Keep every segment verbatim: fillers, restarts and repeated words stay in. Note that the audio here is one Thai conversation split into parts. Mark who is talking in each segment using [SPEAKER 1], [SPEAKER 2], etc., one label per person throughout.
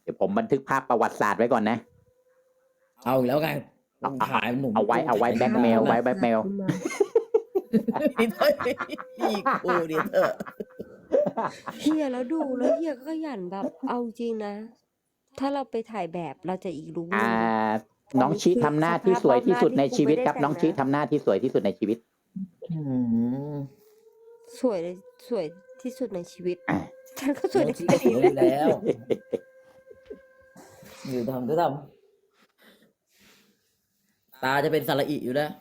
[SPEAKER 1] เดี๋ยวผมบันทึกภาพประวัติศาสตร์ไว้ก่อนนะ
[SPEAKER 2] เอาอีกแล้วไง
[SPEAKER 1] เอา
[SPEAKER 2] ขายหนุ่ม
[SPEAKER 1] เอาไว้เอาไว้แบ็กเมลไว้แบ็กเมล
[SPEAKER 2] พี่เต้ยพี่กูเดี๋ยวเถอะ
[SPEAKER 3] เฮียแล้วดูแล้วเฮียก็ขยันแบบเอาจริงนะ ถ้าเราไปถ่ายแบบเราจะอีกรู้
[SPEAKER 1] อ่า น้องชิทำหน้าที่สวยที่สุดในชีวิตครับ น้องชิทำหน้าที่สวยที่สุดในชีวิต
[SPEAKER 2] อืม
[SPEAKER 3] สวยเลยสวยที่สุดในชีวิต
[SPEAKER 1] อ่ะ
[SPEAKER 3] ฉันก็สวยใน
[SPEAKER 2] ที่
[SPEAKER 3] ชี
[SPEAKER 2] ส
[SPEAKER 3] วิต
[SPEAKER 2] วยอยู่แล้ว อยู่ทำก็ทำตาจะเป็นสระอิอยู่แล้ว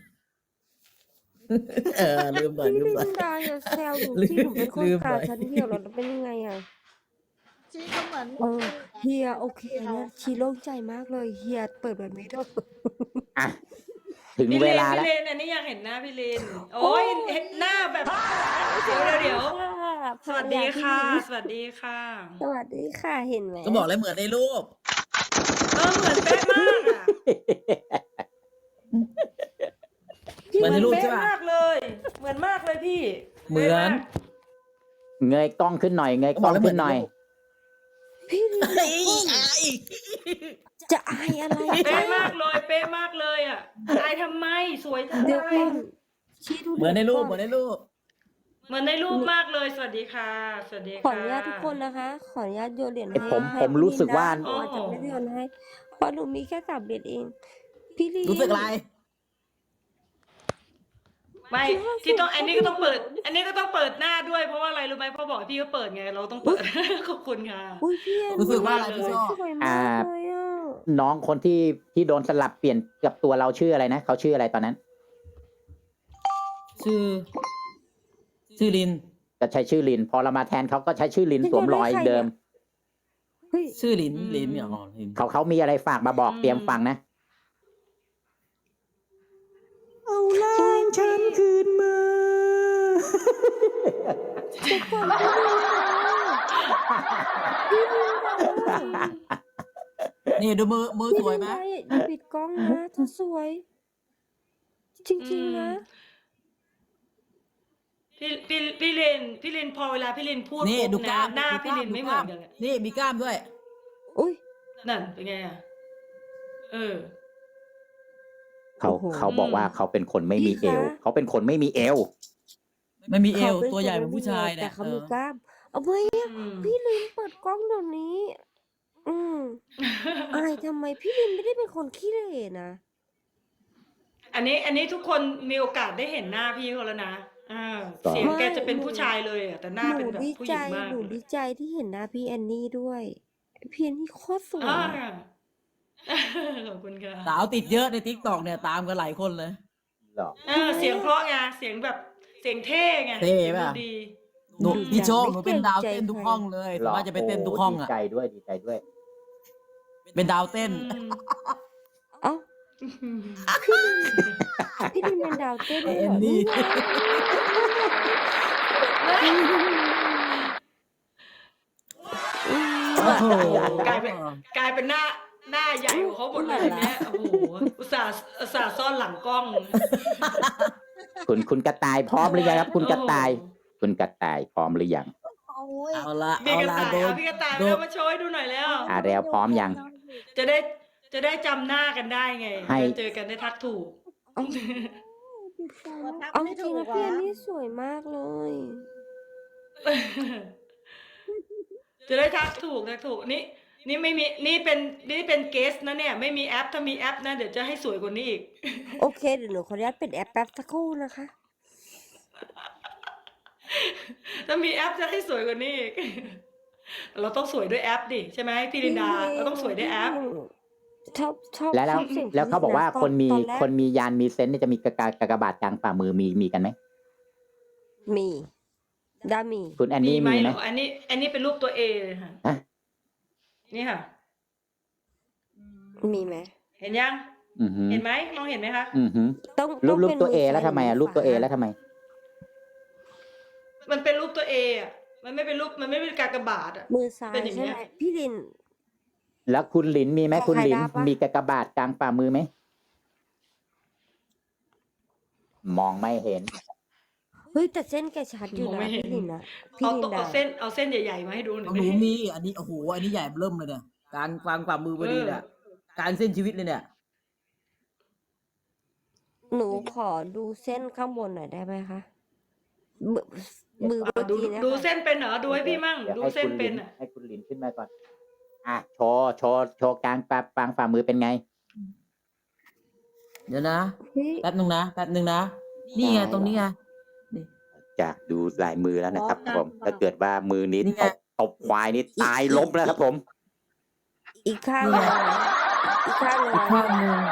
[SPEAKER 2] เออลืมหน่อย
[SPEAKER 3] พี่
[SPEAKER 2] ลืม
[SPEAKER 3] ลิ
[SPEAKER 2] หน่อย
[SPEAKER 3] นดาอย่าแซวหนู
[SPEAKER 2] ลืม
[SPEAKER 3] ที่หนูเป็นคน
[SPEAKER 2] ลืม
[SPEAKER 3] ตา
[SPEAKER 2] หน่อย
[SPEAKER 3] ชั้นเดียวแล้วเป็นยังไงอ่ะ
[SPEAKER 4] ชีก็เหมือน
[SPEAKER 3] เออเฮียโอเคเนี่ยชีโล่งใจมากเลยเฮียเปิดแบบนี้ด้วย
[SPEAKER 1] อ่ะ ถึง
[SPEAKER 5] พี่
[SPEAKER 1] เว
[SPEAKER 5] เลน
[SPEAKER 1] ลา
[SPEAKER 5] พี่
[SPEAKER 1] แล้ว
[SPEAKER 5] เลนอันนี้อยากเห็นหน้าพี่เลนโอ้ยเห็นหน้าแบบเดี๋ยวเดี๋ยวเดี๋ยวสวัสดีค่ะ สวัสดีค่ะ
[SPEAKER 3] สวัสดีค่ะเห็นไหม
[SPEAKER 2] ก็บอกเลยเหมือนในรูป
[SPEAKER 5] เออเหมือนเป๊ะมากอ่ะ
[SPEAKER 2] เหมือนในรูปใช่
[SPEAKER 5] เป๊ะ
[SPEAKER 2] ป่ะ
[SPEAKER 5] มากเลย เหมือนมากเลยพี่
[SPEAKER 2] เหมือน
[SPEAKER 1] เงยกล้องขึ้นหน่อย เงยกล้องขึ้นหน่อย
[SPEAKER 3] พี่ลิน
[SPEAKER 2] เฮ้ยอาย
[SPEAKER 3] จะอายอะไร
[SPEAKER 5] เป๊ะมากเลย เป๊ะมากเลยอ่ะอายทำไมสวยจัง
[SPEAKER 3] เดี๋ยว
[SPEAKER 5] เล
[SPEAKER 3] ก่อย นชีดู
[SPEAKER 2] เหมือนในรูปเหมือนในรูป
[SPEAKER 5] เหมือนในรูปมากเลย สวัสดีค่ะ สวัสดี
[SPEAKER 3] ขอ
[SPEAKER 5] ค่ะ
[SPEAKER 3] อนุญาตทุกคนนะคะ ขออนุญาตโยนเหรียญให้
[SPEAKER 1] ผม
[SPEAKER 3] ให้
[SPEAKER 1] ผมรู้สึกว่า
[SPEAKER 3] พี่ลินนะอาจจะไม่ได้โยนให้เพราะหนูมีแค่สามเหรียญเอง พี่ลิน
[SPEAKER 2] รู้สึกอะไร
[SPEAKER 5] ไม่ที่ต้องอันนี้ก็ต้องเปิด อันนี้ก็ต้องเปิดหน้าด้วยเพราะว่าอะไรรู้ไหมเพราะบอกให้พี่ก็เปิดไงเราต้องเปิด ขอบคุณค่ะ
[SPEAKER 3] อุ้ยพี่แอน
[SPEAKER 2] รู้สึกว่าอะไรพี่
[SPEAKER 3] ส
[SPEAKER 2] ชอบ
[SPEAKER 3] วยมากเลยอ่ะ
[SPEAKER 1] น้องคนที่ที่โดนสลับเปลี่ยนกับตัวเราชื่ออะไรนะเขาชื่ออะไรตอนนั้น
[SPEAKER 2] ชื่อ ชื่อลิน
[SPEAKER 1] จะใช้ชื่อลิน พอเรามาแทนเขาก็ใช้ชื่อลินสวมรอยเดิม
[SPEAKER 3] เฮ้ย
[SPEAKER 2] ชื่อลิน
[SPEAKER 5] อืม
[SPEAKER 2] ลินเนี่ยอ๋อลิน
[SPEAKER 1] เขาเขามีอะไรฝากมาบอก
[SPEAKER 5] อืม
[SPEAKER 1] เตรียมฟังนะ เอาล่างฉันคืนมา
[SPEAKER 3] ทุกคนพี่ลินนะ
[SPEAKER 2] นี่ดูมือมือ
[SPEAKER 3] พี่
[SPEAKER 2] สวย
[SPEAKER 3] ลิน
[SPEAKER 2] ไหม
[SPEAKER 3] นะอย่าปิดกล้องนะเธอสวย จริงๆนะ
[SPEAKER 5] พี่พี่พี่เลนพี่เลนพอเวลาพี่เลนพูด
[SPEAKER 2] นี่
[SPEAKER 5] ปุ๊บ
[SPEAKER 2] ดูก
[SPEAKER 5] นะ
[SPEAKER 2] ล้าม
[SPEAKER 5] หน้า
[SPEAKER 2] ดู
[SPEAKER 5] พี่
[SPEAKER 2] ก
[SPEAKER 5] เล
[SPEAKER 2] ล้าม
[SPEAKER 5] นไม่
[SPEAKER 2] ดู
[SPEAKER 5] เห
[SPEAKER 2] ก
[SPEAKER 5] มือ
[SPEAKER 2] ล้าม
[SPEAKER 5] นกันเลย
[SPEAKER 2] นี่มีกล้ามด้วย
[SPEAKER 3] อุ้ย
[SPEAKER 5] นั่นเป็นไงอ่ะเออ
[SPEAKER 1] เขา
[SPEAKER 3] โอ้โห
[SPEAKER 1] เขาบอกว่าเขาเป็นคนไม่มีเอว
[SPEAKER 3] พี่คะ
[SPEAKER 1] เขาเป็นคนไม่มีเอว
[SPEAKER 2] ไม่มีเอว
[SPEAKER 3] ขาป็น
[SPEAKER 2] ตัวใหญ่
[SPEAKER 3] ค
[SPEAKER 2] เหมือนผู้ชาย
[SPEAKER 3] แต่
[SPEAKER 2] เนี่ย
[SPEAKER 3] เขา
[SPEAKER 2] เอ
[SPEAKER 3] มี
[SPEAKER 2] อก
[SPEAKER 3] ล้าม เอาไว้อะ
[SPEAKER 5] อืม
[SPEAKER 3] พี่ลินเปิดกล้องเดี๋ยวนี้ อืมอายทำไมพี่ลินไม่ได้เป็นคนขี้เหร่นะ
[SPEAKER 5] อันนี้อันนี้ทุกคนมีโอกาสได้เห็นหน้าพี่เขาแล้วนะอ่า
[SPEAKER 1] ต่อ
[SPEAKER 5] เสียงแก
[SPEAKER 3] ไม่
[SPEAKER 5] จะเป็น
[SPEAKER 3] หนู
[SPEAKER 5] ผู้ชายเลยอะแต่หน้า
[SPEAKER 3] ห
[SPEAKER 5] เป็
[SPEAKER 3] นู
[SPEAKER 5] นแบบ
[SPEAKER 3] ดี
[SPEAKER 5] ผู้ห
[SPEAKER 3] ใจ
[SPEAKER 5] ญิงมาก
[SPEAKER 3] หนูดีใจที่เห็นหน้าพี่แอนนี่ด้วย พี่แอนนี่โคตรสวย
[SPEAKER 5] อ่า
[SPEAKER 3] อะ
[SPEAKER 5] ขอบคุณค่ะ
[SPEAKER 2] สาวติดเยอะในทิกตอกเนี่ยตามกันหลายคนเลย
[SPEAKER 1] หรอ
[SPEAKER 5] เออเสียงเพราะไงเสียงแบบเสียงเท่ไง
[SPEAKER 2] เท่
[SPEAKER 5] สียง
[SPEAKER 2] ป่ะ
[SPEAKER 5] ดี
[SPEAKER 2] หนู
[SPEAKER 3] อืม
[SPEAKER 2] พี่โชค
[SPEAKER 3] ไม่
[SPEAKER 2] หนูเป็นดาว
[SPEAKER 3] เกรงใจ
[SPEAKER 2] เต้นทุก
[SPEAKER 3] ใคร
[SPEAKER 2] ห้องเลย
[SPEAKER 1] หร
[SPEAKER 2] สามารถจะไปเต้นทุกห้อง
[SPEAKER 1] ดี
[SPEAKER 2] อ่ะ
[SPEAKER 1] ใจด้วยดีใจด้วย
[SPEAKER 2] เป็นดาวเต้น
[SPEAKER 5] อืม
[SPEAKER 3] เอ้าพี่ลินเป็นดาวเต้นด้วย
[SPEAKER 2] เอ็
[SPEAKER 3] เหร
[SPEAKER 2] น
[SPEAKER 3] อ
[SPEAKER 2] นี่
[SPEAKER 3] อืม
[SPEAKER 2] โอ้โห
[SPEAKER 5] กลายเป็นกลายเป็นหน้าหน้าใหญ่กว่าเขาหมดเลยเนี่ยโอ้โหอุตส่าห์อุตส่าห์ซ่อนหลังกล้อง
[SPEAKER 1] คุณคุณกระต่ายพร้อมหรือยังครับ คุณกระต่าย
[SPEAKER 5] โอ้โห
[SPEAKER 1] คุณกระต่ายพร้อมหรือยัง
[SPEAKER 4] โอ้ย
[SPEAKER 2] เอาละ
[SPEAKER 5] พี่
[SPEAKER 2] เอา
[SPEAKER 5] กระ
[SPEAKER 2] ละ
[SPEAKER 5] ต่าย
[SPEAKER 2] โดน
[SPEAKER 5] เอาพี่กระต่าย
[SPEAKER 2] โด
[SPEAKER 5] เร็
[SPEAKER 2] น
[SPEAKER 5] วมาโชว์ให้ดูหน่อยแล้ว
[SPEAKER 1] อ่าแล้วพร้อมยัง
[SPEAKER 5] จะได้จะได้จำหน้ากันได้ไง
[SPEAKER 1] ให้
[SPEAKER 5] เจอกันได้ทักถูก
[SPEAKER 3] เอาจริงๆนะพี่แอนนี่สวยมากเลย
[SPEAKER 5] จะได้ทักถูกทักถูกนี่นี่ไม่มีนี่เป็นนี่เป็นเกสนะเนี่ย ไม่มีแอปถ้ามีแอปนะเดี๋ยวจะให้สวยกว่านี้อีก
[SPEAKER 3] โอเคเดี๋ยวหนูขออนุญาตเป็นแอปแป๊บสักครู่นะคะ
[SPEAKER 5] ถ้ามีแอปจะให้สวยกว่านี้อีก เราต้องสวยด้วยแอปดิใช่ไหมพี่ลินดาเราต้องสวยด้วยแอป
[SPEAKER 3] ชอบชอบ
[SPEAKER 1] แล้วแล้ว
[SPEAKER 3] ชอบสียง
[SPEAKER 1] แล้วเขาบอกว่า
[SPEAKER 3] ต
[SPEAKER 1] คนมี
[SPEAKER 3] ตอแรก
[SPEAKER 1] คนมียานมีเซนส์เนี่ยจะมีกระกากากบาทกลางฝ่ามือมีมีกันไหม
[SPEAKER 3] มีดามี
[SPEAKER 1] คุณแอนนี่
[SPEAKER 5] ไหม
[SPEAKER 1] มีไห
[SPEAKER 5] เห
[SPEAKER 1] ม
[SPEAKER 5] รออันนี้ อันนี้เป็นรูปตัวเอเลยค่ะ
[SPEAKER 1] ฮะ
[SPEAKER 5] นี่ค่ะ
[SPEAKER 3] มีไหม
[SPEAKER 5] เห็นยัง
[SPEAKER 1] อือหือ
[SPEAKER 5] เห็นไหมมองเห็นไหมคะ
[SPEAKER 1] อือหือ
[SPEAKER 3] ต้อง
[SPEAKER 1] รู
[SPEAKER 3] ต้
[SPEAKER 1] ป
[SPEAKER 3] ง
[SPEAKER 1] รูป
[SPEAKER 3] ป็น
[SPEAKER 1] ตัวเอ
[SPEAKER 3] มื
[SPEAKER 1] แล้วทำไมอ่ะรูปตัวเอแล้วทำไม
[SPEAKER 5] มันเป็นรูปตัวเออ่ะมันไม่เป็นรูปมันไม่เป็นกากบาทอ่ะ
[SPEAKER 3] มือซ้าย
[SPEAKER 5] เป็นอย่างเงี้
[SPEAKER 3] ใช่
[SPEAKER 5] ย
[SPEAKER 3] ไหมพี่ลิน
[SPEAKER 1] แล้วคุณหลินมีไหม
[SPEAKER 3] ใคร
[SPEAKER 1] คุณหลิน
[SPEAKER 3] ได้ปะ
[SPEAKER 1] มีกากบาทกลางฝ่ามือไหมมองไม่เห็น
[SPEAKER 3] เฮ้ฮ้ยแต่เส้นแกชัดอยู่
[SPEAKER 5] มอง
[SPEAKER 3] นะ
[SPEAKER 5] ไม่เห็น
[SPEAKER 3] พี่ลินนะพี่
[SPEAKER 5] เอา
[SPEAKER 3] ลิน
[SPEAKER 5] ตัว
[SPEAKER 3] ดา
[SPEAKER 5] เอาเส้นเอาเส้นใหญ่ๆมาให้ดูหน่
[SPEAKER 2] ข
[SPEAKER 5] อ
[SPEAKER 2] อย งหนู
[SPEAKER 5] ดิ
[SPEAKER 2] มีอันนี้โอ้โหอันนี้ใหญ่เริ่มเลยเนี่ยกลางกลางฝ่ามือพอดีเนี่ย
[SPEAKER 5] เออ
[SPEAKER 2] กลางเส้นชีวิตเลยเนี่ย
[SPEAKER 3] หนูขอดูเส้นข้างบนหน่อยได้ไหมคะมือมือ
[SPEAKER 5] อ่ะ
[SPEAKER 3] เมื่อ
[SPEAKER 5] ดู
[SPEAKER 3] กี้นะ
[SPEAKER 5] ดู
[SPEAKER 3] คะ
[SPEAKER 5] เส้นเป็นเหรอดูให้พี่มั่ง
[SPEAKER 1] ดี๋ยว
[SPEAKER 5] ดู
[SPEAKER 1] ให้
[SPEAKER 5] เส้น
[SPEAKER 1] คุณ
[SPEAKER 5] เป็น
[SPEAKER 1] ลิ
[SPEAKER 5] อ่ะ
[SPEAKER 1] ให้คุณลินขึ้นมาก่อน อ่ะโชว์โชว์โชว์กลางปลางฝ่ามือเป็นไง
[SPEAKER 2] เดี๋ยวนะ
[SPEAKER 3] เฮ้ย
[SPEAKER 2] แป๊บนึงนะแป๊บนึงนะนี่ไงตรงนี้ไง
[SPEAKER 1] จะดูลายมือแล้วนะครับ
[SPEAKER 4] อ๋อ
[SPEAKER 1] ผม
[SPEAKER 4] กลาง
[SPEAKER 1] ถ้าเกิดว่ามือนี้
[SPEAKER 2] นี่ไง
[SPEAKER 1] ตบตบควายนี่ตายล้มแล้วครับผม
[SPEAKER 3] อีกข้าง
[SPEAKER 2] นี่
[SPEAKER 3] ห
[SPEAKER 2] ไง
[SPEAKER 3] นึ่งนะอีกข้างหนึ่ง
[SPEAKER 2] อีก
[SPEAKER 3] นะ
[SPEAKER 2] ข้างหนึ่ง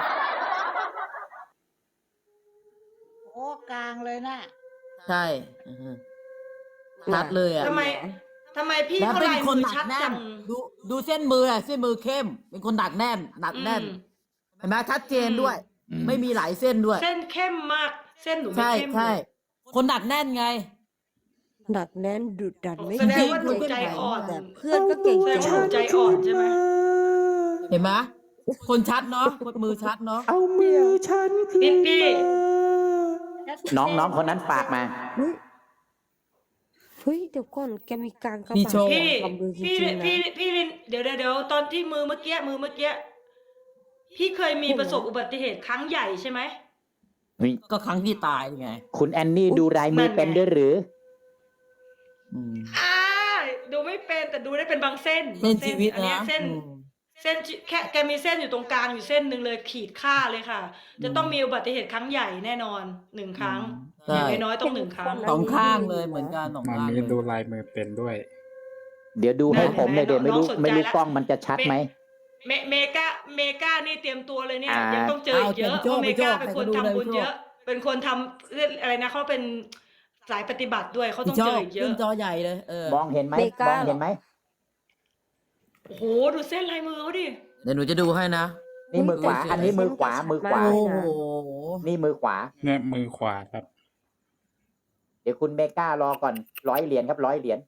[SPEAKER 4] โอ้กลางเลยน่ะ
[SPEAKER 2] ใช่อือฮึชัดเลยอ่ะ
[SPEAKER 5] ทำไมทำไมพี่
[SPEAKER 2] แล้ว
[SPEAKER 5] เขา
[SPEAKER 2] เป็น
[SPEAKER 5] ลาย
[SPEAKER 2] คน
[SPEAKER 5] มือ
[SPEAKER 2] หนั
[SPEAKER 5] ชั
[SPEAKER 2] ก
[SPEAKER 5] ด
[SPEAKER 2] แน่
[SPEAKER 5] จั
[SPEAKER 2] น
[SPEAKER 5] ง
[SPEAKER 2] ดูดูเส้นมืออ่ะเส้นมือเข้ม เป็นคนหนักแน่นหนักแน่น
[SPEAKER 5] อืม
[SPEAKER 2] เห็นไหมชัดเจนด้วย
[SPEAKER 1] อืม
[SPEAKER 2] ไม่มีหลายเส้นด้วย
[SPEAKER 5] เส้นเข้มมาก เส้นหนูไม่
[SPEAKER 2] ใช่
[SPEAKER 5] เข้มเล
[SPEAKER 2] ใช่
[SPEAKER 5] ย
[SPEAKER 2] คนหนักแน่นไง
[SPEAKER 3] หนักแน่นดุดันไม่
[SPEAKER 5] แสดงว่าหนู
[SPEAKER 3] เกรง
[SPEAKER 5] ใจอ่อน
[SPEAKER 3] แต่เพื่อนก็เก่ง
[SPEAKER 5] แสด
[SPEAKER 3] ใจ
[SPEAKER 5] งว่าหนูใจอ่อนใช่ไหม
[SPEAKER 2] เห็นไหมคนชัดเนาะคนมือชัดเนาะ
[SPEAKER 1] เอามือฉัน
[SPEAKER 5] พี่พี่
[SPEAKER 1] น้องน้องคนนั้นฝากมา
[SPEAKER 3] เฮ้ยเฮ้ยเดี๋ยวก่อนแกมีการกระ
[SPEAKER 2] มี
[SPEAKER 3] บาด
[SPEAKER 2] โชว์
[SPEAKER 5] พี่
[SPEAKER 3] กับมือจ
[SPEAKER 5] พี่
[SPEAKER 3] ริงๆนะ
[SPEAKER 5] พี่พี่ลินเดี๋ยวเดี๋ยวเดี๋ยวตอนที่มือเมื่อกี้มือเมื่อกี้พี่เคยมีประสบอุบัติเหตุครั้งใหญ่ใช่ไหม
[SPEAKER 2] ก็ครั้งที่ตายไง
[SPEAKER 1] คุณแอนนี่ดูลายมือเป็นด้วยหรือ
[SPEAKER 2] อืม
[SPEAKER 5] อ่าดูไม่เป็นแต่ดูได้เป็นบางเส้น
[SPEAKER 2] เส้นชีวิต
[SPEAKER 5] อันเนี้ย
[SPEAKER 2] นะ
[SPEAKER 5] เส้น
[SPEAKER 2] อืม
[SPEAKER 5] เส้นแค่แกมีเส้นอยู่ตรงกลางอยู่เส้นหนึ่งเลยขีดค่าเลยค่ะ จะต้องมีอุบัติเหตุครั้งใหญ่แน่นอนหนึ่งครั้ง
[SPEAKER 2] ใช่
[SPEAKER 5] อย่างน้อยๆต้องหนึ่งครั้ง
[SPEAKER 2] สองข้างเลยเหมือนกันสอง
[SPEAKER 6] มา
[SPEAKER 2] ข้าง
[SPEAKER 6] มี
[SPEAKER 2] เลย
[SPEAKER 6] ดูลายมือเป็นด้วย
[SPEAKER 1] เดี๋ยวดูให้
[SPEAKER 5] ได้
[SPEAKER 1] ผมเลยเดี๋ยวไม่รู้
[SPEAKER 5] น้องสนใจ
[SPEAKER 1] ไม่รู้
[SPEAKER 5] ละ
[SPEAKER 1] กล้องมันจะชัดไหม
[SPEAKER 5] เมเมกาเมกานี่เตรียมตัวเลยเนี่ย
[SPEAKER 1] อ่ายั
[SPEAKER 5] ยังต้องเจออีกเยอะ
[SPEAKER 2] เอา
[SPEAKER 5] เพ
[SPEAKER 2] เตรียม
[SPEAKER 5] ราะเมกา
[SPEAKER 2] โจ้
[SPEAKER 5] เป็น
[SPEAKER 2] ไป
[SPEAKER 5] คน
[SPEAKER 2] โจ้
[SPEAKER 5] ทำบุญ
[SPEAKER 2] ไปโจ้
[SPEAKER 5] เยอะ เป็นคนทำเรื่องอะไรนะเขาเป็นสายปฏิบัติด้วยเขาต้อง
[SPEAKER 2] ช
[SPEAKER 5] เจ
[SPEAKER 2] อ
[SPEAKER 5] อบ อีกเย
[SPEAKER 2] ขึ้
[SPEAKER 5] อะ
[SPEAKER 2] นจอใหญ่เลยเออ
[SPEAKER 1] มองเห็นไหม
[SPEAKER 3] เม
[SPEAKER 1] ม
[SPEAKER 3] กา
[SPEAKER 1] องเห็นไหม
[SPEAKER 5] โอ้โหดูเส้นลายมือเขาดิ
[SPEAKER 2] เดี๋ยวหนูจะดูให้นะ
[SPEAKER 1] นี่มือขวา อันนี้มือขวา มือขวา
[SPEAKER 2] โอ้โห
[SPEAKER 1] นี่มือขวา
[SPEAKER 6] เนี่ยมือขวาครับ
[SPEAKER 1] เดี๋ยวคุณเมก้ารอก่อนร้อยเหรียญครับร้อยเหรียญ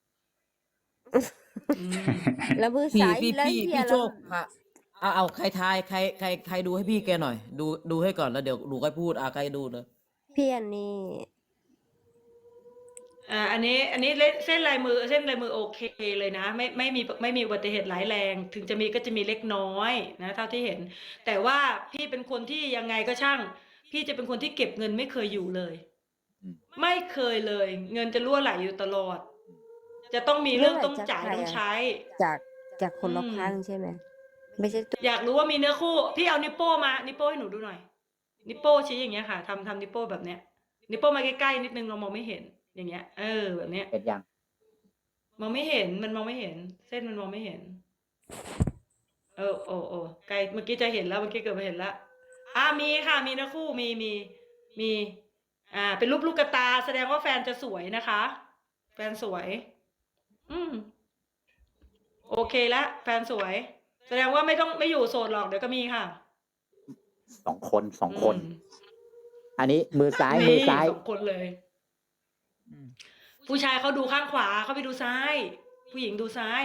[SPEAKER 3] แล้วมือ
[SPEAKER 2] พี่
[SPEAKER 3] ซ้าย
[SPEAKER 2] พี่
[SPEAKER 3] แล้ว
[SPEAKER 2] พี่
[SPEAKER 3] เฮีย
[SPEAKER 2] พี่โช
[SPEAKER 3] แล้ว
[SPEAKER 2] คค่ะเอาเอาใครทายใครใครใครดูให้พี่แกหน่อย ดูดูให้ก่อนแล้วเดี๋ยวหนูค่อยพูดอ่ะใครดูเลย
[SPEAKER 3] พี่อันนี้
[SPEAKER 5] อ่าอันนี้อันนี้เส้นลายมือเส้นลายมือโอเคเลยนะ ไม่ไม่มีไม่มีอุบัติเหตุร้ายแรง ถึงจะมีก็จะมีเล็กน้อยนะเท่าที่เห็น แต่ว่าพี่เป็นคนที่ยังไงก็ช่าง พี่จะเป็นคนที่เก็บเงินไม่เคยอยู่เลย
[SPEAKER 1] อืม
[SPEAKER 5] ไม่เคยเลย เงินจะรั่วไหลอยู่ตลอด จะต้องมีเรื่องต้องจ่ายต้องใช้
[SPEAKER 3] จากจากคนรอบ
[SPEAKER 5] อืม
[SPEAKER 3] ข้างใช่ไหมไม่ใช่ตัว
[SPEAKER 5] อยากรู้ว่ามีเนื้อคู่ พี่เอานิปโป้มานิปโป้ให้หนูดูหน่อย นิปโป้ชี้อย่างเงี้ยค่ะทำทำนิปโป้แบบเนี้ย นิปโป้มาใกล้ๆนิดนึงเรามองไม่เห็น อย่างเงี้ย เออแบบเนี้ย
[SPEAKER 1] เห็นยัง
[SPEAKER 5] มองไม่เห็นมันมองไม่เห็น เส้นมันมองไม่เห็น เออโอ้โอ้ไกลเมื่อกี้จะเห็นแล้วเมื่อกี้เกือบไปเห็นแล้วอ่ามีค่ะมีนะคู่มีมีมี อ่า เป็นรูปลูกกระตา แสดงว่าแฟนจะสวยนะคะ แฟนสวย อืมโอเคละแฟนสวย แสดงว่าไม่ต้องไม่อยู่โสดหรอกเดี๋ยวก็มีค่ะ
[SPEAKER 1] สองคนสองคน
[SPEAKER 5] อืม
[SPEAKER 1] อันนี้มือซ้ายมือซ้าย
[SPEAKER 5] สองคนเลย ผู้ชายเขาดูข้างขวาเขาไปดูซ้าย ผู้หญิงดูซ้าย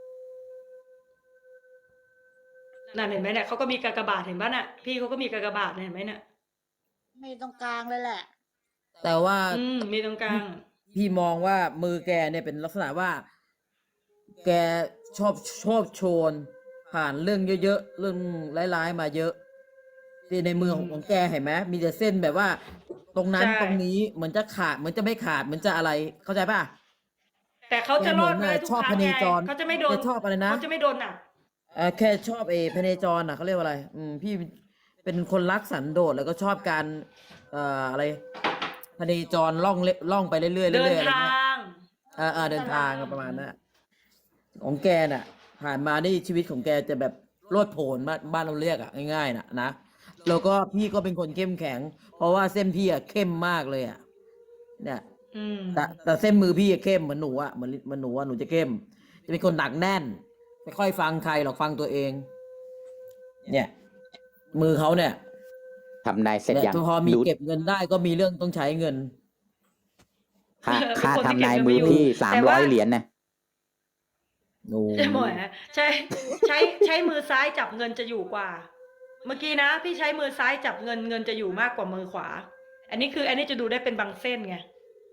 [SPEAKER 5] นั่นเห็นไหมเนี่ยเขาก็มีกากบาทเห็นป่ะน่ะ พี่เขาก็มีกากบาทเห็นไหมเนี่ย
[SPEAKER 4] มีตรงกลางเลยแหละ
[SPEAKER 2] แต่ว่า
[SPEAKER 5] อืมมีตรงกลาง
[SPEAKER 2] พี่มองว่ามือแกเนี่ยเป็นลักษณะว่า แกชอบชอบโชน ผ่านเรื่องเยอะๆเรื่องร้ายๆมาเยอะที่ในมือของของแกเห็นไหมมีแต่เส้นแบบว่า ตรงนั้น
[SPEAKER 5] ใช่
[SPEAKER 2] ตรงนี้เหมือนจะขาดเหมือนจะไม่ขาดเหมือนจะอะไรเข้าใจป่ะ
[SPEAKER 5] แต่เขาจะรอด
[SPEAKER 2] แกเหมื
[SPEAKER 5] ได้
[SPEAKER 2] อน
[SPEAKER 5] ทุก
[SPEAKER 2] ชอบ
[SPEAKER 5] ครั้ง
[SPEAKER 2] พเน
[SPEAKER 5] ไง
[SPEAKER 2] จร
[SPEAKER 5] เขาจะไม่โดน
[SPEAKER 2] แกชอบอะไรนะ
[SPEAKER 5] เขาจะไม่โดนหนัก
[SPEAKER 2] เอ่อแค่ชอบเอพเนจรอ่ะเขาเรียกว่าอะไร อืมพี่เป็นคนรักสันโดษแล้วก็ชอบการเอ่ออะไรพเนจรล่องเล่ล่องไปเรื่อยๆเรื่อยๆ
[SPEAKER 5] เดิน
[SPEAKER 2] อะไร
[SPEAKER 5] ทา
[SPEAKER 2] เงี้ย
[SPEAKER 5] ง
[SPEAKER 2] เออเออเดินทางประมาณนั้นอะของแกน่ะ ผ่านมานี่ชีวิตของแกจะแบบโลดโผนบ้านบ้านเราเรียกอ่ะง่ายๆน่ะนะแล้วก็พี่ก็เป็นคนเข้มแข็ง เพราะว่าเส้นพี่อ่ะเข้มมากเลยอ่ะเนี่ย
[SPEAKER 5] อืม
[SPEAKER 2] แต่แต่เส้นมือพี่อะเข้มเหมือนหนูอะเหมือนเหมือนหนูอะหนูจะเข้ม จะเป็นคนหนักแน่นไม่ค่อยฟังใครหรอกฟังตัวเอง เนี่ย มือเขาเนี่ย
[SPEAKER 1] ทำนายเสร็จ
[SPEAKER 2] เนี่ย
[SPEAKER 1] ยัง
[SPEAKER 2] พอมี
[SPEAKER 1] ดู
[SPEAKER 2] เก็บเงินได้ก็มีเรื่องต้องใช้เงิน
[SPEAKER 1] ค่า
[SPEAKER 5] เป็น
[SPEAKER 1] ค่า
[SPEAKER 5] คนที่
[SPEAKER 1] ทำนาย
[SPEAKER 5] เก็บเงิน
[SPEAKER 1] มือ
[SPEAKER 5] ไม่อยู่
[SPEAKER 1] พี่สาม
[SPEAKER 5] แต่
[SPEAKER 1] ร้
[SPEAKER 5] ว่า
[SPEAKER 1] อยเหรียญนะ
[SPEAKER 2] โอ้
[SPEAKER 5] ใช่ไหมใช้ใช้ใช้มือซ้ายจับเงินจะอยู่กว่า เมื่อกี้นะ พี่ใช้มือซ้ายจับเงินเงินจะอยู่มากกว่ามือขวา อันนี้คือ อันนี้จะดูได้เป็นบางเส้นไง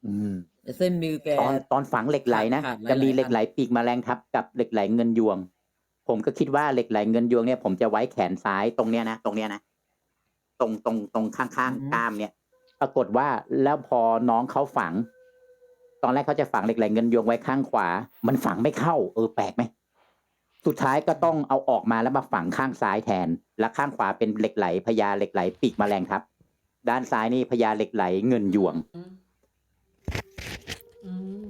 [SPEAKER 1] อืม
[SPEAKER 2] เส้นมือแก
[SPEAKER 1] ตอนตอนฝังเหล็กไหลนะ
[SPEAKER 2] ขาดหลายๆ
[SPEAKER 1] จะมีเหล็ก
[SPEAKER 2] อัน
[SPEAKER 1] ไหลปีกแมลงทับกับเหล็กไหลเงินยวง ผมก็คิดว่าเหล็กไหลเงินยวงเนี่ยผมจะไว้แขนซ้ายตรงเนี้ยนะตรงเนี้ยนะตรงตรงตรงข้างๆกล้ามเนี่ย ปรากฏว่าแล้วพอน้องเขาฝัง ตอนแรกเขาจะฝังเหล็กไหลเงินยวงไว้ข้างขวา มันฝังไม่เข้า เออแปลกไหมสุดท้ายก็ต้องเอาออกมาแล้วมาฝังข้างซ้ายแทน และข้างขวาเป็นเหล็กไหลพญาเหล็กไหลปีกแมลงทับด้านซ้ายนี่พญาเหล็กไหลเงินยวง
[SPEAKER 5] อืม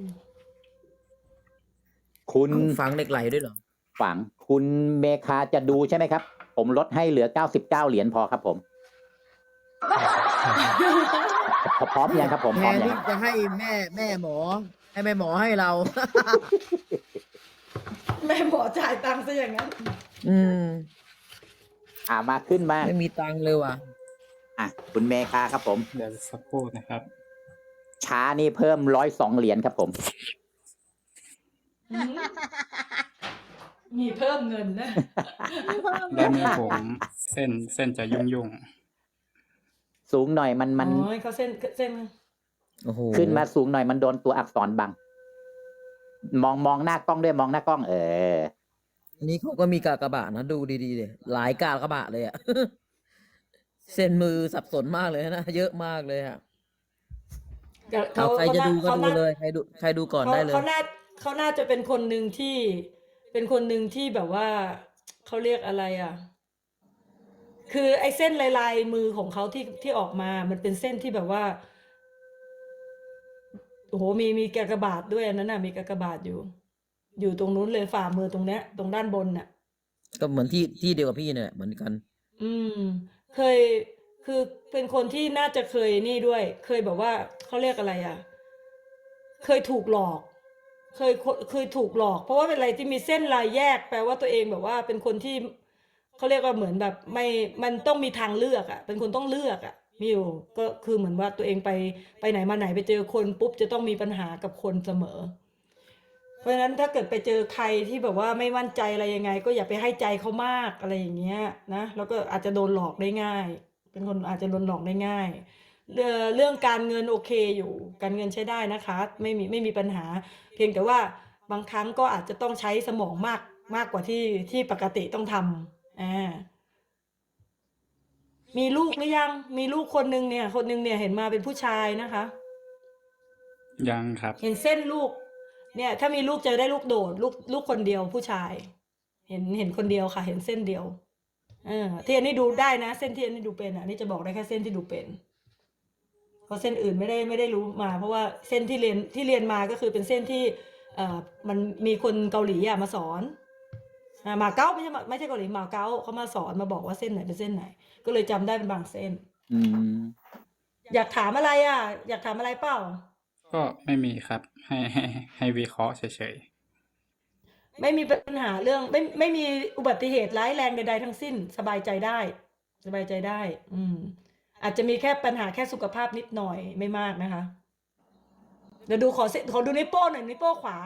[SPEAKER 1] คุณ
[SPEAKER 2] ฝังเหล็กไหลด้วยเหรอ
[SPEAKER 1] ฝังคุณเมคาจะดูใช่ไหมครับ ผมลดให้เหลือเก้าสิบเก้าเหรียญพอครับผม พร้อมยังครับผม
[SPEAKER 2] แท
[SPEAKER 1] พร้อม
[SPEAKER 2] น
[SPEAKER 1] ยัง
[SPEAKER 2] ที่จะให้แม่แม่หมอ ให้แม่หมอให้เรา
[SPEAKER 5] แม่หมอจ่ายตังค์ซะอย่างนั้น
[SPEAKER 2] อืม
[SPEAKER 1] อ่ามาขึ้นมา
[SPEAKER 2] ไม่มีตังค์เลยว่ะ
[SPEAKER 1] อ่ะคุณเมคาครับผม
[SPEAKER 6] เดี๋ยวสักครู่นะครับ
[SPEAKER 1] ช้านี่เพิ่มร้อยสองเหรียญครับผม
[SPEAKER 5] มีเพิ่มเงินนะ
[SPEAKER 6] ด้านนี้ผมเส้นเส้นจะยุ่งยุ่ง
[SPEAKER 1] สูงหน่อยมันมัน
[SPEAKER 5] อ๋อเขาเส้นเส้น
[SPEAKER 2] โอ้โห
[SPEAKER 1] ขึ้นมาสูงหน่อยมันโดนตัวอักษรบัง มองมองหน้ากล้องด้วยมองหน้ากล้อง เออ
[SPEAKER 2] อันนี้เขาก็มีกากบาทนะดูดีๆเลยหลายกากบาทเลยอะ เส้นมือสับสนมากเลยนะเยอะมากเลยอะ เอาใครจะดูก็ดูเลยใครดูใครดูก่อนได้เลย
[SPEAKER 5] เขาน่าเขาน่าจะเป็นคนหนึ่งที่เป็นคนหนึ่งที่แบบว่าเขาเรียกอะไรอ่ะ คือไอ้เส้นลายลายมือของเขาที่ที่ออกมา มันเป็นเส้นที่แบบว่าโอ้โหมีมีกากบาทด้วยอันนั้นน่ะมีกากบาทอยู่ อยู่ตรงนู้นเลยฝ่ามือตรงเนี้ย ตรงด้านบนน่ะ
[SPEAKER 2] ก็เหมือนที่ที่เดียวกับพี่เนี่ยเหมือนกัน
[SPEAKER 5] อืม เคยคือเป็นคนที่น่าจะเคยนี่ด้วย เคยแบบว่าเขาเรียกอะไรอ่ะ เคยถูกหลอก เคยเคยถูกหลอก เพราะว่าเป็นอะไรที่มีเส้นลายแยก แปลว่าตัวเองแบบว่าเป็นคนที่เขาเรียกว่าเหมือนแบบไม่มันต้องมีทางเลือกอ่ะ เป็นคนต้องเลือกอ่ะมีอยู่ก็คือเหมือนว่าตัวเองไปไปไหนมาไหนไปเจอคนปุ๊บจะต้องมีปัญหากับคนเสมอ เพราะฉะนั้นถ้าเกิดไปเจอใครที่แบบว่าไม่มั่นใจอะไรยังไง ก็อย่าไปให้ใจเขามากอะไรอย่างเงี้ยนะแล้วก็อาจจะโดนหลอกได้ง่าย เป็นคนอาจจะโดนหลอกได้ง่าย เรื่องเรื่องการเงินโอเคอยู่ การเงินใช้ได้นะคะ ไม่มีไม่มีปัญหา เพียงแต่ว่าบางครั้งก็อาจจะต้องใช้สมองมากมากกว่าที่ที่ปกติต้องทำอ่ามีลูกหรือยัง มีลูกคนหนึ่งเนี่ย คนหนึ่งเนี่ยเห็นมาเป็นผู้ชายนะคะ
[SPEAKER 6] ๆยังครับ
[SPEAKER 5] เห็นเส้นลูก เนี่ย ถ้ามีลูกจะได้ลูกโดด ลูกลูกคนเดียวผู้ชาย เห็นเห็นคนเดียวค่ะ เห็นเส้นเดียวเออที่อันนี้ดูได้นะ เส้นที่อันนี้ดูเป็นอ่ะนี่จะบอกได้แค่เส้นที่ดูเป็นเพราะเส้นอื่นไม่ได้ไม่ได้รู้มา เพราะว่าเส้นที่เรียนที่เรียนมาก็คือเป็นเส้นที่เอ่อมันมีคนเกาหลีอ่ะมาสอนอ่ามาเก๊าไม่ใช่มาไม่ใช่เกาหลีมาเก๊าเขามาสอนมาบอกว่าเส้นไหนเป็นเส้นไหน ก็เลยจำได้เป็นบางเส้น
[SPEAKER 1] อืม
[SPEAKER 5] อยากถามอะไรอ่ะ อยากถามอะไรเปล่า
[SPEAKER 6] ก็ไม่มีครับ ให้ให้ให้วิเคราะห์เฉย
[SPEAKER 5] ไม่มีปัญหาเรื่องไม่ไม่มีอุบัติเหตุร้ายแรงใดๆทั้งสิ้นสบายใจได้ สบายใจได้ อืม อาจจะมีแค่ปัญหาแค่สุขภาพนิดหน่อยไม่มากนะคะ เดี๋ยวดูขอเสขอดูนิ้วโป้งหน่อยนิ้วโป้งขวา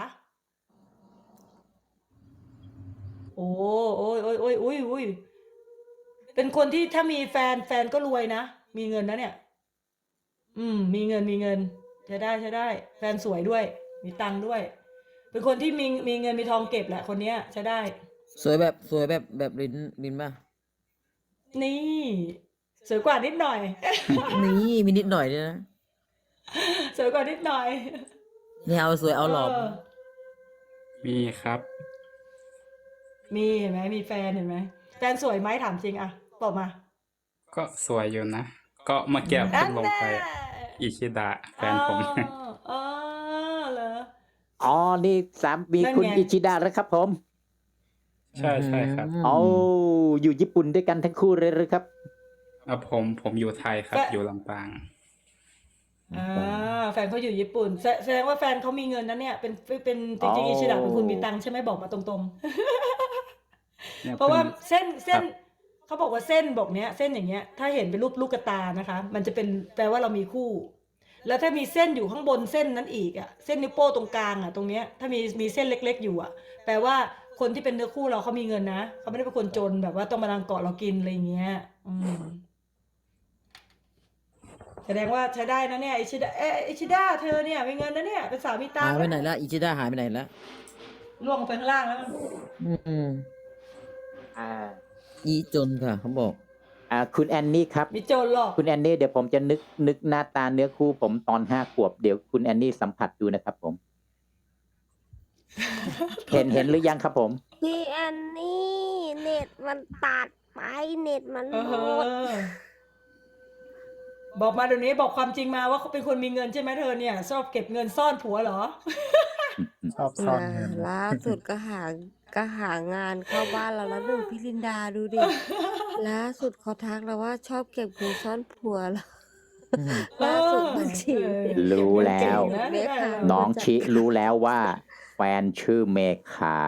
[SPEAKER 5] โอ้โอ้ยโอ้ยโอ้ยอุ้ยอุ้ยเป็นคนที่ถ้ามีแฟนแฟนก็รวยนะ มีเงินนะเนี่ย อืม มีเงินมีเงินใช้ได้ใช้ได้ แฟนสวยด้วย มีตังค์ด้วย เป็นคนที่มีมีเงินมีทองเก็บแหละคนเนี้ยใช้ได้
[SPEAKER 2] สวยแบบสวยแบบแบบลินลินป่ะ
[SPEAKER 5] นี่สวยกว่านิดหน่อย
[SPEAKER 2] นี่มีนิดหน่อยด้วยนะ
[SPEAKER 5] สวยกว่านิดหน่อย
[SPEAKER 2] นี่เอาสวยเอาหล่อ
[SPEAKER 5] เออ
[SPEAKER 6] ๆ มีครับ
[SPEAKER 5] มีเห็นไหมมีแฟนเห็นไหมแฟนสวยไหมถามจริงอะบอกมา
[SPEAKER 6] ก็สวยอยู่นะ ก็เมื่อกี้
[SPEAKER 5] นั่
[SPEAKER 6] เพิ่
[SPEAKER 5] น
[SPEAKER 6] งลง
[SPEAKER 5] แน่
[SPEAKER 6] ไปอิชิดะแฟนผม
[SPEAKER 5] อ๋ออ๋อเหรอ
[SPEAKER 1] อ๋อ นี่สามมี
[SPEAKER 5] นั่น
[SPEAKER 1] คุณ
[SPEAKER 5] ไง
[SPEAKER 1] อิชิดะแล้วครับผม
[SPEAKER 6] ใช่ใช่ครับ
[SPEAKER 1] เอาอยู่ญี่ปุ่นด้วยกันทั้งคู่เลยหรือครับ
[SPEAKER 6] เอาผมผมอยู่ไทยครับ อยู่ลำปาง
[SPEAKER 5] อ่าแฟนเขาอยู่ญี่ปุ่นแสแสดงว่าแฟนเขามีเงินนะเนี่ยเป็นเป็นจ
[SPEAKER 1] อ๋อ
[SPEAKER 5] ริงๆอิชิดะเป็นคนมีตังค์ใช่ไหมบอกมาตรง
[SPEAKER 6] เนี่ย
[SPEAKER 5] ๆ เพราะว่า
[SPEAKER 6] พิ่ง
[SPEAKER 5] เส้นเส้น
[SPEAKER 6] ครับ
[SPEAKER 5] เขาบอกว่าเส้นบอกเนี้ย เส้นอย่างเงี้ย ถ้าเห็นเป็นรูปลูกตานะคะ มันจะเป็นแปลว่าเรามีคู่ แล้วถ้ามีเส้นอยู่ข้างบนเส้นนั้นอีกอ่ะเส้นนิ้วโป้งตรงกลางอ่ะตรงเนี้ยถ้ามีมีเส้นเล็ก ๆ อยู่อ่ะ แปลว่าคนที่เป็นเนื้อคู่เราเขามีเงินนะเขาไม่ได้เป็นคนจนแบบว่าต้องมาลังเกาะเรากินอะไรอย่างเงี้ย อืมแสดงว่าใช้ได้นะเนี่ยอิชิดาเอ๊ะอิชิดาเธอเนี่ยมีเงินนะเนี่ยเป็นสาวมีตัง
[SPEAKER 2] หาย
[SPEAKER 5] ค์
[SPEAKER 2] ไป
[SPEAKER 5] นะ
[SPEAKER 2] ไหนละอิชิดาหายไปไหนละ
[SPEAKER 5] ล่วงไปข้างล่างแล้ว
[SPEAKER 2] อืม
[SPEAKER 1] อ่า
[SPEAKER 2] อีจนค่ะเขาบอก
[SPEAKER 1] อ่าคุณแอนนี่ครับ
[SPEAKER 5] มีโจรหลอก
[SPEAKER 1] คุณแอนนี่เดี๋ยวผมจะนึกนึกหน้าตาเนื้อคู่ผมตอนห้าขวบเดี๋ยวคุณแอนนี่สัมผัสดูนะครับผม เห็นเห็นหรือยังครับผม
[SPEAKER 3] พี่แอนนี่เน็ตมันตัดไปเน็ตมัน
[SPEAKER 5] เอ
[SPEAKER 3] หมด
[SPEAKER 5] อบอกมาเดี๋ยวนี้บอกความจริงมาว่าเขาเป็นคนมีเงินใช่ไหมเธอเนี่ยชอบเก็บเงินซ่อนผัวเหรอ
[SPEAKER 6] ชอบซ่อน
[SPEAKER 3] อ่า
[SPEAKER 6] เงิน
[SPEAKER 3] ล่าสุดก็หาก็หางานเข้าบ้านเราแล้วหนึ่งพี่ลินดาดูดิ ล่าสุดเขาทักเราว่าชอบเก็บเงินซ่อนผัวแล้ว
[SPEAKER 2] อืม
[SPEAKER 3] ล่าสุดบัญชี
[SPEAKER 5] เออ
[SPEAKER 1] รู้แล้ว
[SPEAKER 5] เก็บเงินเก่งนะได้แล้ว
[SPEAKER 1] น้องชิรู้แล้วว่าแฟนชื่อเมคา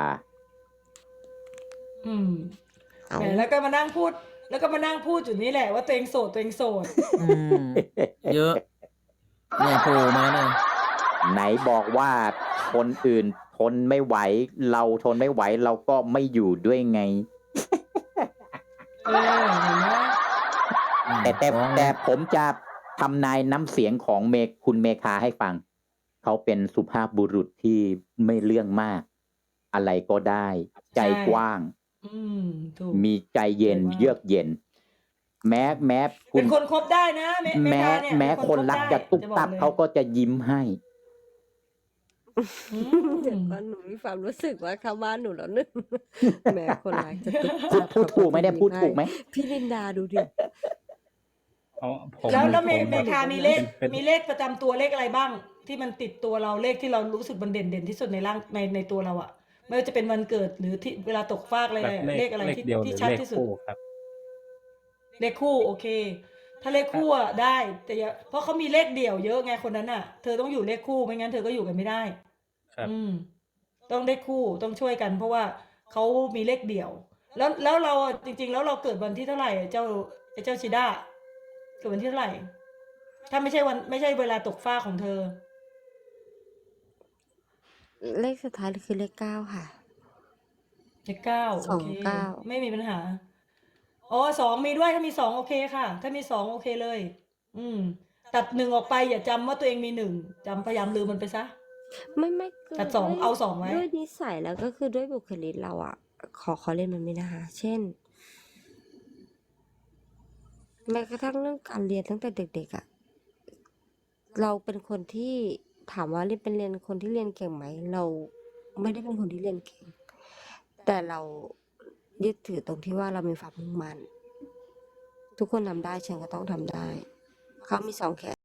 [SPEAKER 5] อืม
[SPEAKER 3] เอา
[SPEAKER 5] แหมแล้วก็มานั่งพูด แล้วก็มานั่งพูดอยู่นี่แหละว่าตัวเองโสดตัวเองโสด
[SPEAKER 2] อืม เยอะเนี่ยโผล่มาเนี่ย
[SPEAKER 1] ไหนบอกว่าคนอื่นทนไม่ไหว เราทนไม่ไหวเราก็ไม่อยู่ด้วยไง
[SPEAKER 5] เออเห็นไหม
[SPEAKER 1] แต่แต่
[SPEAKER 2] ฟ้อง
[SPEAKER 1] แต่ผมจะทำนายน้ำเสียงของเมคคุณเมคาให้ฟัง เขาเป็นสุภาพบุรุษที่ไม่เรื่องมาก อะไรก็ได้ ใจกว้าง
[SPEAKER 5] อืมถูก
[SPEAKER 1] มีใจเย็น
[SPEAKER 5] ใจมาก
[SPEAKER 1] เยือกเย็น แม้แม้คุ
[SPEAKER 5] เป็
[SPEAKER 1] ณ
[SPEAKER 5] นคนคบได้นะเม
[SPEAKER 1] แม้
[SPEAKER 5] เมกาเนี่ย
[SPEAKER 1] แม้
[SPEAKER 5] เป็
[SPEAKER 1] คน
[SPEAKER 5] บ
[SPEAKER 1] รัก
[SPEAKER 5] ได้
[SPEAKER 1] จะตุ๊บ
[SPEAKER 5] จะบอก
[SPEAKER 1] ตับ
[SPEAKER 5] ลย
[SPEAKER 1] เขาก็จะยิ้มให้
[SPEAKER 5] อื
[SPEAKER 3] เดี๋ยว
[SPEAKER 5] ม
[SPEAKER 3] ก่อนหนูมีความรู้สึกว่าเข้าบ้านหนูแล้วนึง แม่คนรักจะตุ๊บ
[SPEAKER 1] พูดพูดถูกไหมได้พูดถูกไหม
[SPEAKER 3] พี่ลินดาดูดิ
[SPEAKER 6] เพราะผม
[SPEAKER 5] แล้วแล้วเม
[SPEAKER 6] ผม
[SPEAKER 5] เม
[SPEAKER 6] แบบ
[SPEAKER 5] คามีเลข
[SPEAKER 6] เป็น
[SPEAKER 5] มีเลขประจำตัวเลขอะไรบ้าง ที่มันติดตัวเราเลขที่เรารู้สึกมันเด่นเด่นที่สุดในร่างในในตัวเราอะไม่ว่าจะเป็นวันเกิดหรือที่เวลาตกฟากอะไร
[SPEAKER 6] แบบ
[SPEAKER 5] อะ
[SPEAKER 6] เล
[SPEAKER 5] เล
[SPEAKER 6] ข
[SPEAKER 5] ขอะไร
[SPEAKER 6] เลข
[SPEAKER 5] ที่
[SPEAKER 6] เดียวห
[SPEAKER 5] ที่
[SPEAKER 6] รือ
[SPEAKER 5] ชัด
[SPEAKER 6] เลข
[SPEAKER 5] ที่สุด
[SPEAKER 6] คู่ครับ
[SPEAKER 5] เลขคู่โอเค ถ้าเลขคู่อะได้ แต่อย่าเพราะเขามีเลขเดี่ยวเยอะไงคนนั้นอะเธอต้องอยู่เลขคู่ไม่งั้นเธอก็อยู่กันไม่ได้
[SPEAKER 6] ครับ
[SPEAKER 5] อืม ต้องเลขคู่ต้องช่วยกัน เพราะว่าเขามีเลขเดี่ยว แล้วแล้วเราอะจริง ๆ แล้วเราเกิดวันที่เท่าไหร่เจ้าไอ้เจ้าชิด้าเกิดวันที่เท่าไหร่ ถ้าไม่ใช่วันไม่ใช่เวลาตกฟ้าของเธอ
[SPEAKER 3] เลขสุดท้ายคือเลขเก้าค่ะ
[SPEAKER 5] เลขเก้า
[SPEAKER 3] ส
[SPEAKER 5] โอ
[SPEAKER 3] อง
[SPEAKER 5] เค
[SPEAKER 3] เก้า
[SPEAKER 5] ไม่มีปัญหา อ๋อสองมีด้วยถ้ามีสองโอเคค่ะ ถ้ามีสองโอเคเลย อืม ตัดหนึ่งออกไปอย่าจำว่าตัวเองมีหนึ่งจำพยายามลืมมันไปซะ
[SPEAKER 3] ไม่ไม่คือ
[SPEAKER 5] ตัดสอง
[SPEAKER 3] ด้วย
[SPEAKER 5] เอาสองไว้
[SPEAKER 3] ด้วยนิสัยแล้วก็คือด้วยบุคลิกเราอ่ะ ขอขอเล่นมันไม่นะคะ เช่น แม้กระทั่งเรื่องการเรียนตั้งแต่เด็กๆอ่ะ เราเป็นคนที่ถามว่าเรียนเป็นเรียนคนที่เรียนเก่งไหม เราไม่ได้เป็นคนที่เรียนเก่ง แต่เรายึดถือตรงที่ว่าเรามีความมุ่งมั่น ทุกคนทำได้ฉันก็ต้องทำได้ เขามีสองแขน